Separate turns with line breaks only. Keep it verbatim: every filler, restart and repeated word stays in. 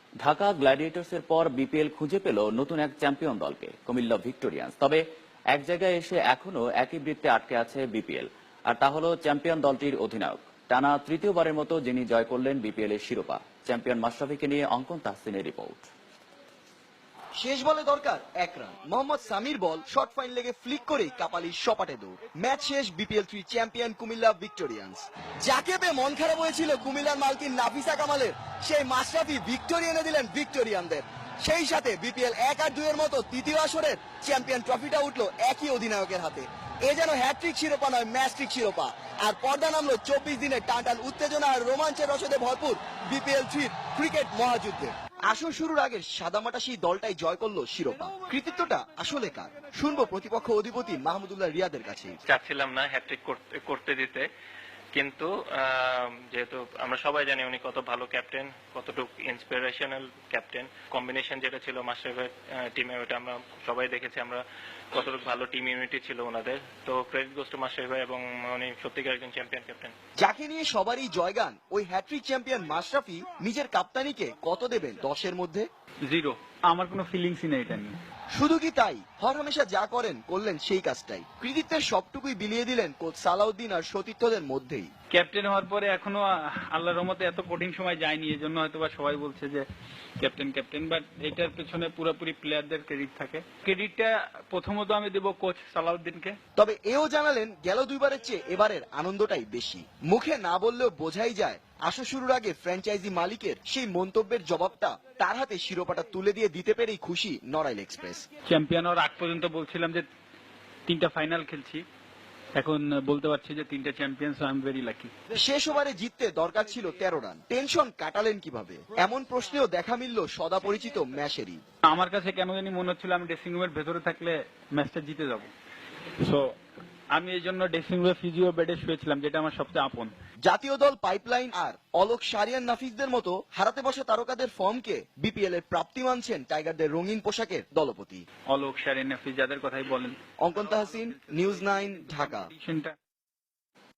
ঢাকা গ্ল্যাডিয়েটর্সের পর বিপিএল খুঁজে পেল নতুন এক চ্যাম্পিয়ন দলকে, কুমিল্লা ভিক্টোরিয়ান্স। তবে এক জায়গায় এসে এখনো একই বৃত্তে আটকে আছে বিপিএল, আর তা হলো চ্যাম্পিয়ন দলটির অধিনায়ক। টানা তৃতীয়বারের মতো যিনি জয় করলেন বিপিএল এর শিরোপা, চ্যাম্পিয়ন মাশরাফিকে নিয়ে অঙ্কন তাহসিনের রিপোর্ট।
শেষ বলে দরকার এক run. Mohammad Samir ball short fine লেগে ফ্লিক করে কাপালির সপাটে দৌড়। ম্যাচ শেষ, BPL three champion Comilla Victorians. যাকে পেয়ে মন খারাপ হয়েছিল কুমিল্লার মালকিন নাফিসা কামালের, সেই মাশরাফি ভিক্টোরি এনে দিলেন ভিক্টোরিয়ানদের। সেই সাথে বিপিএল এক আর দুইয়ের মতো তৃতীয় আসরের চ্যাম্পিয়ন ট্রফিটা উঠলো একই অধিনায়কের হাতে। এ যেন হ্যাট্রিক শিরোপা নয়, ম্যাচট্রিক শিরোপা। আর পর্দা নামলো চব্বিশ দিনের টানটান উত্তেজনা আর রোমাঞ্চের রসদে ভরপুর বিপিএল থ্রির ক্রিকেট মহাযুদ্ধে। আসর শুরুর আগে সাদামাটা সেই দলটাই জয় করলো শিরোপা। কৃতিত্বটা আসলে কার, শুনবো প্রতিপক্ষ অধিপতি মাহমুদুল্লাহ রিয়াদের কাছে।
চাচ্ছিলাম না হ্যাট্রিক করতে দিতে, কিন্তু যেহেতু আমরা সবাই জানি উনি কত ভালো ক্যাপ্টেন, কতটুকু ইন্সপিরেশনাল ক্যাপ্টেন। কম্বিনেশন যেটা ছিল মাশরাফির টিমে, ওটা আমরা সবাই দেখেছি আমরা কতটুকু ভালো টিম ইউনিটি ছিল ওনাদের। তো ক্রেডিট গোস টু মাশরাফি, এবং উনি সত্যিকার একজন চ্যাম্পিয়ন ক্যাপ্টেন।
যাকে নিয়ে সবারই জয়গান, ওই হ্যাট্রিক চ্যাম্পিয়ন মাশরাফি নিজের কাপ্তানিকে কত দেবেন দশের মধ্যে?
জিরো। আমার কোনো ফিলিংসই নেই এটা নিয়ে।
শুধু কি তাই, হরহামেশা যা করেন করলেন সেই কাজটাই। কৃতিত্বের সবটুকুই বিলিয়ে দিলেন কোচ সালাউদ্দিন আর সতীর্থদের মধ্যেই।
ক্যাপ্টেন হওয়ার পরে এখনো আল্লাহর রহমতে এত কঠিন সময় যায়নি, এজন্য হয়তো বা সবাই বলছে যে ক্যাপ্টেন ক্যাপ্টেন বাট এটার পেছনে পুরোপুরি প্লেয়ারদের ক্রেডিট থাকে। ক্রেডিটটা প্রথমত আমি দেব কোচ সালাউদ্দিনকে।
তবে এও জানালেন গেল দুইবারের চেয়ে এবারের আনন্দটাই বেশি। মুখে না বললেও বোঝাই যায় আসর শুরুর আগে ফ্র্যাঞ্চাইজি মালিকের সেই মন্তব্যের জবাবটা তার হাতে শিরোপাটা তুলে দিয়ে দিতে পেরেই খুশি নড়াইল এক্সপ্রেস।
চ্যাম্পিয়ন হওয়ার আগ পর্যন্ত বলছিলাম যে তিনটা ফাইনাল খেলছি, এখন বলতে পারছি যে তিনটা champion, so I am very lucky.
শেষ ওভারে জিততে দরকার ছিল তেরো রান, টেনশন কাটালেন কিভাবে? এমন প্রশ্নেও দেখা মিলল সদা পরিচিত ম্যাশেরই।
আমার কাছে কেন জানি মনে হচ্ছিল আমি ড্রেসিং রুমের ভেতরে থাকলে ম্যাচটা জিতে যাব, সো আমি এই জন্য ড্রেসিং রুমে ফিজিও বেডে শুয়েছিলাম, যেটা আমার সবচেয়ে আপন।
জাতীয় দল পাইপলাইন আর অলোক সারিয়ান নাফিসদের মতো হারাতে বসা তারকাদের ফর্মকে বিপিএল এর প্রাপ্তি মানছেন টাইগারদের রঙিন পোশাকের দলপতি।
অলোক সারিয়ান নাফিস যাদের কথাই বলেন।
অঙ্কন তাহসিন, নিউজ নাইন, ঢাকা।